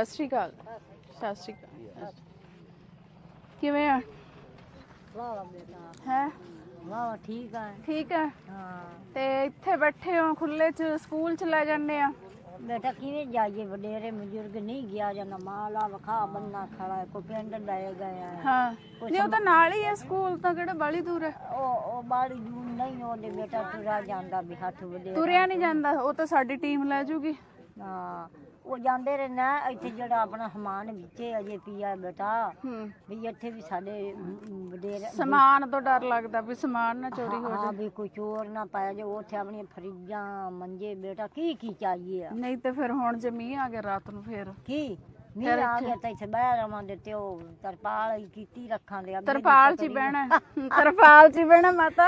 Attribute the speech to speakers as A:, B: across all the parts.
A: ਸਤਿ ਸ਼੍ਰੀ ਅਕਾਲ। ਸਤਿ ਸ਼੍ਰੀ ਅਕਾਲ। ਕਿਵੇਂ ਆ?
B: ਵਾਹ ਬੇਟਾ
A: ਹੈ
B: ਵਾਹ ਠੀਕ ਹੈ।
A: ਠੀਕ ਹੈ।
B: ਹਾਂ
A: ਤੇ ਇੱਥੇ ਬੈਠੇ ਹੋ ਖੁੱਲੇ ਚ, ਸਕੂਲ ਚ ਲੈ ਜਾਂਦੇ ਆ।
B: ਬੇਟਾ ਕਿਵੇਂ ਜਾਈਏ, ਵਡੇਰੇ ਬਜ਼ੁਰਗ ਨਹੀਂ ਗਿਆ ਜਾਂਦਾ, ਮਾਲਾ ਵਖਾ ਬੰਨਾ ਖੜਾ ਹੈ, ਕੋਈ ਪਿੰਡ ਲੈ ਗਿਆ ਹੈ।
A: ਹਾਂ ਨਹੀਂ ਉਹ ਤਾਂ ਨਾਲ ਹੀ ਹੈ, ਸਕੂਲ ਤਾਂ ਕਿਹੜਾ ਬਾਲੀ ਦੂਰ ਹੈ।
B: ਉਹ ਬਾੜੀ ਦੂਰ ਨਹੀਂ, ਉਹਦੇ ਬੇਟਾ ਤੁਰਿਆ ਜਾਂਦਾ ਵੀ ਹੱਥ ਵਡੇਰੇ
A: ਤੁਰਿਆ ਨਹੀਂ ਜਾਂਦਾ, ਉਹ ਤਾਂ ਸਾਡੀ ਟੀਮ ਲੈ ਜੂਗੀ।
B: ਹਾਂ ਉਹ ਜਾਂਦੇ ਰਹੇ ਨਾ, ਇੱਥੇ ਜਿਹੜਾ ਆਪਣਾ ਸਮਾਨ ਵਿੱਚੇ ਅਜੇ ਪਿਆ ਬੇਟਾ, ਵੀ ਇੱਥੇ ਵੀ ਸਾਡੇ ਵਡੇਰੇ
A: ਸਮਾਨ ਤੋਂ ਡਰ ਲੱਗਦਾ ਵੀ ਸਮਾਨ ਨਾ ਚੋਰੀ ਹੋ
B: ਹਾਂ ਵੀ ਕੋਈ ਚੋਰ ਨਾ ਪਾਇਆ ਜੇ, ਉੱਥੇ ਆਪਣੀਆਂ ਫਰਿੱਜਾਂ ਮੰਜੇ ਬੇਟਾ ਕੀ ਚਾਹੀਏ ਆ।
A: ਨਹੀਂ ਤੇ ਫਿਰ ਹੁਣ ਜੇ ਮੀਂਹ ਆ ਗਿਆ ਰਾਤ ਨੂੰ ਫਿਰ
B: ਕੀ ਮੀਂਹ ਆ ਗਿਆ ਤਾਂ ਇੱਥੇ ਬਹਿ ਰਵਾਂਗੇ, ਤੇ ਉਹ ਤਰਪਾਲ ਹੀ ਕੀਤੀ ਰੱਖਾਂਗੇ।
A: ਤਰਪਾਲ 'ਚ ਹੀ ਬਹਿਣਾ, ਤਰਪਾਲ 'ਚ ਹੀ ਬਹਿਣਾ ਮਾਤਾ।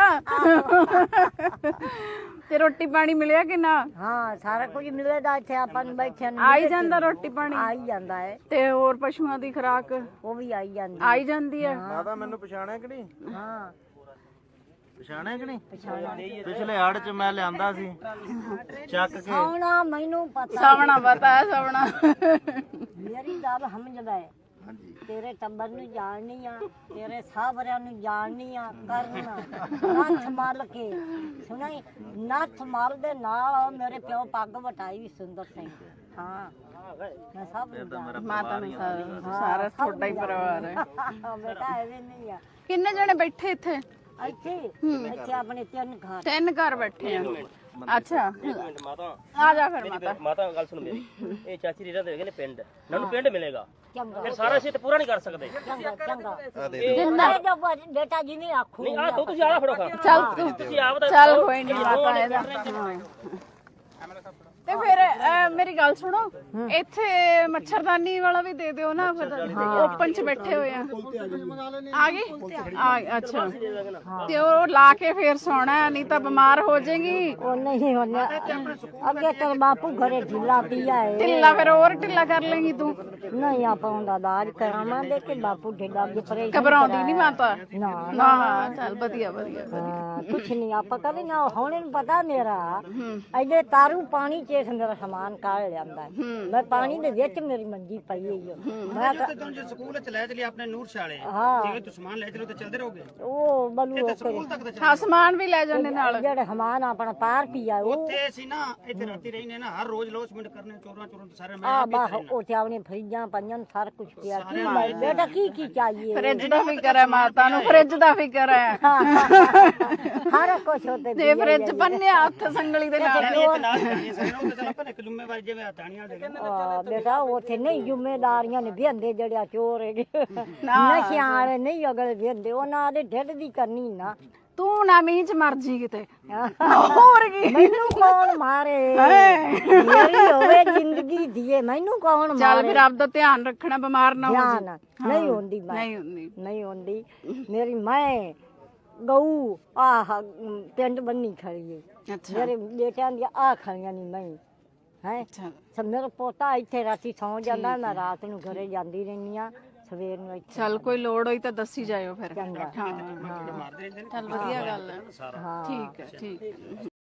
A: ਤੇ ਰੋਟੀ ਪਾਣੀ ਮਿਲਿਆ ਕਿ ਨਾ?
B: ਹਾਂ ਸਾਰਾ ਕੁਝ ਮਿਲੇਗਾ ਇੱਥੇ, ਆਪਾਂ ਨੂੰ ਬੈਠਿਆਂ ਨੂੰ
A: ਆਈ ਜਾਂਦਾ ਰੋਟੀ ਪਾਣੀ?
B: ਆਈ ਜਾਂਦਾ ਹੈ।
A: ਤੇ ਹੋਰ ਪਸ਼ੂਆਂ ਦੀ ਖੁਰਾਕ
B: ਉਹ ਵੀ ਆਈ ਜਾਂਦੀ
A: ਹੈ।
C: ਮਾਤਾ ਮੈਨੂੰ ਪਛਾਣਿਆ ਕਿ ਨਹੀਂ?
B: ਹਾਂ
C: ਪਛਾਣਿਆ ਕਿ ਨਹੀਂ? ਪਿਛਲੇ ਹੜ ਚ ਮੈਂ ਲਿਆਂਦਾ ਸੀ ਚੱਕ ਕੇ।
B: ਸੌਣਾ ਮੈਨੂੰ ਪਤਾ,
A: ਸਵਣਾ ਪਤਾ ਹੈ, ਸਵਣਾ।
B: ਮੇਰੀ ਗੱਲ ਸਮਝਦਾ ਹੈ। ਤੇਰੇ ਟੱਬਰ ਨੂੰ ਜਾਣਨੀ ਆ, ਤੇਰੇ ਸਾਹਬਰਿਆਂ ਨੂੰ ਜਾਣਨੀ ਆ, ਕਰਨਾ ਨੱਥ ਮਲ ਕੇ ਸੁਣਾਈ, ਨੱਥ ਮਲ ਦੇ ਨਾਲ ਮੇਰੇ ਪਿਓ ਪੱਗ ਵਟਾਈ ਵੀ ਸੁੰਦਰ ਸਿੰਘ। ਹਾਂ ਮੈਂ ਸਭ ਨੂੰ ਜਾਣਦੀ।
A: ਮਾਤਾ ਨੂੰ ਸਾਰਾ ਤੁਹਾਡਾ ਹੀ ਪਰਿਵਾਰ ਹੈ
B: ਬੇਟਾ ਐਵੇਂ ਨਹੀਂ ਆ।
A: ਕਿੰਨੇ ਜਣੇ ਬੈਠੇ ਇੱਥੇ?
B: ਇੱਥੇ ਆਪਣੇ
A: ਤਿੰਨ ਘਰ ਬੈਠੇ ਆ। ਅੱਛਾ
D: ਮਾਤਾ
A: ਆ ਜਾ ਫਿਰ ਮਾਤਾ।
D: ਮਾਤਾ ਗੱਲ ਸੁਣ ਮੇਰੀ, ਇਹ ਚਾਚੀ ਰੀਰਾ ਦੇ ਗਏ ਨੇ ਪਿੰਡ, ਮੈਨੂੰ ਪਿੰਡ ਮਿਲੇਗਾ,
B: ਚੰਗਾ
D: ਫਿਰ ਸਾਰਾ ਅਸੀਂ ਤੇ ਪੂਰਾ ਨਹੀਂ ਕਰ ਸਕਦੇ।
B: ਚੰਗਾ ਬੇਟਾ ਜਿਵੇਂ ਆਖੋ।
D: ਨਹੀਂ ਆ ਤੁਸੀਂ ਆਲਾ ਫੜੋ ਖਾ,
A: ਚੱਲ
D: ਤੁਸੀਂ ਆਪ ਦਾ
A: ਚੱਲ ਕੋਈ ਨਹੀਂ ਮਾਤਾ ਇਹਦਾ। ਤੇ ਫਿਰ ਮੇਰੀ ਗੱਲ ਸੁਣੋ, ਇੱਥੇ ਮੱਛਰਦਾਨੀ ਵਾਲਾ ਵੀ ਦੇ ਦਿਓ ਨਾ, ਫਿਰ ਓਪਨ ਚ ਬੈਠੇ ਹੋਏ ਆ। ਆ ਗਈ? ਅੱਛਾ ਤੇ ਉਹ ਲਾ ਕੇ ਫੇਰ ਸੌਣਾ, ਨਹੀਂ ਤਾਂ ਬਿਮਾਰ ਹੋ ਜਾਏਗੀ।
B: ਉਹ ਨਹੀਂ ਹੋਣਾ, ਅੱਗੇ ਤੇਰੇ ਬਾਪੂ ਘਰੇ ਢਿੱਲਾ ਪਿਆ ਹੈ।
A: ਢਿੱਲਾ ਫਿਰ ਹੋਰ ਢਿੱਲਾ ਕਰ ਲੇਗੀ ਤੂੰ?
B: ਨਹੀਂ ਆਪਾਂ ਉਹਦਾ ਇਲਾਜ ਕਰਾਵਾਂਗੇ ਕਿ ਬਾਪੂ ਢਿੱਲਾ ਅੱਗੇ ਪਰੇਸ਼ਾਨ
A: ਘਬਰਾਉਂਦੀ ਨਹੀਂ ਮਾਤਾ?
B: ਨਾ
A: ਨਾ ਚੱਲ ਵਧੀਆ ਵਧੀਆ।
B: ਕੁਛ ਨਹੀਂ ਆਪਾਂ ਕਦੇ ਨਾ, ਹੁਣ ਇਹਨੂੰ ਪਤਾ ਮੇਰਾ ਐਡੇ ਤਾਰੂ ਪਾਣੀ ਚ ਮੇਰਾ ਸਮਾਨ ਕਾੜ ਲਿਆਂਦਾ। ਮੈਂ ਪਾਣੀ ਦੇ ਵਿੱਚ ਮੇਰੀ ਮੰਜੀ ਪਈ ਹੋਈ ਆ। ਮੈਂ ਤਾਂ
E: ਜੇ ਸਕੂਲ ਚ ਲੈ ਚਲੀ ਆਪਣੇ ਨੂਰ ਸ਼ਾਲੇ,
B: ਹਾਂ
E: ਜਿਵੇਂ ਤੂੰ ਸਮਾਨ ਲੈ ਚਲੋ ਤੇ ਚੱਲਦੇ ਰਹੋਗੇ
B: ਉਹ ਬਲੂ
E: ਸਕੂਲ ਤੱਕ ਤੇ
A: ਹਾਂ ਸਮਾਨ ਵੀ ਲੈ ਜਾਂਦੇ ਨਾਲ।
B: ਜਿਹੜੇ ਸਮਾਨ ਆਪਣਾ ਪਾਰ ਪੀਆ ਉਹ
E: ਉੱਥੇ ਅਸੀਂ ਨਾ ਇੱਥੇ ਰਾਤੀ ਰਹਿਨੇ ਨਾ, ਹਰ ਰੋਜ਼ ਲੋਸਮੈਂਟ ਕਰਨੇ, ਚੋਰਾਂ ਤੋਂ ਸਾਰੇ ਮੈਂ
B: ਆ ਬਾਹ ਉੱਥੇ ਆਪਣੀਆਂ ਫਰਿੱਜਾਂ ਪਈਆਂ ਸਾਰਾ ਕੁਝ ਪਿਆ। ਕੀ ਬੇਟਾ ਕੀ ਚਾਹੀਏ?
A: ਫਰਿੱਜ ਦਾ ਫਿਕਰ ਹੈ ਮਾਤਾ ਨੂੰ, ਫਰਿੱਜ ਦਾ ਫਿਕਰ ਹੈ।
B: ਸਾਰਾ ਕੁਝ ਉੱਤੇ
A: ਤੇ ਫਰਿੱਜ ਬੰਨਿਆ ਹੱਥ ਸੰਗਲੀ ਦੇ ਨਾਲ।
E: ਇੱਕ ਜ਼ਿੰਮੇਵਾਰੀ ਜਿਵੇਂ ਹਟਾਣੀਆਂ ਦੇ
B: ਬੇਟਾ ਉੱਥੇ ਨਹੀਂ ਜ਼ਿੰਮੇਦਾਰੀਆਂ ਨੇ ਵਿਹੰਦੇ ਜਿਹੜੇ ਚੋਰ ਹੈਗੇ, ਨਸ਼ਿਆਂ ਵਾਲੇ ਨਹੀਂ ਅਗਲੇ ਵਿਹੰਦੇ, ਉਹਨਾਂ ਦੇ ਢਿੱਡ ਦੀ ਕਰਨੀ ਨਾ।
A: ਤੂੰ ਨਾ ਮੀਂਹ ਚ ਮਰ ਜੀ ਕਿਤੇ, ਹੋਰ ਕੀ।
B: ਮੈਨੂੰ ਕੌਣ ਮਾਰੇ, ਮੇਰੀ ਹੋਵੇ ਜ਼ਿੰਦਗੀ ਦੀਏ, ਮੈਨੂੰ ਕੌਣ ਮਾਰੇ।
A: ਚੱਲ ਫਿਰ ਆਪਦਾ ਧਿਆਨ ਰੱਖਣਾ, ਬਿਮਾਰ ਨਾ ਹੋ ਜਾ।
B: ਨਹੀਂ ਹੁੰਦੀ ਨਹੀਂ ਹੁੰਦੀ ਮੇਰੀ ਮੈਂ ਗਊ ਆਹ ਪਿੰਡ ਬੰਨੀ ਖੜੀ ਹੈ। ਮੇਰੇ ਬੇਟਿਆਂ ਦੀਆਂ ਆ ਖੜੀਆਂ ਨਹੀਂ ਮੈਂ ਹੈ। ਮੇਰਾ ਪੋਤਾ ਇੱਥੇ ਰਾਤੀ ਸੌਂ ਜਾਂਦਾ, ਮੈਂ ਰਾਤ ਨੂੰ ਘਰੇ ਜਾਂਦੀ ਰਹਿੰਦੀ ਆ, ਸਵੇਰ ਨੂੰ ਇੱਥੇ।
A: ਚੱਲ ਕੋਈ ਲੋੜ ਹੋਈ ਤਾਂ ਦੱਸੀ ਜਾਇਓ ਫਿਰ।
B: ਚੰਗਾ
A: ਹਾਂ ਚੱਲ ਵਧੀਆ ਗੱਲ ਹੈ। ਠੀਕ ਹੈ ਠੀਕ ਹੈ।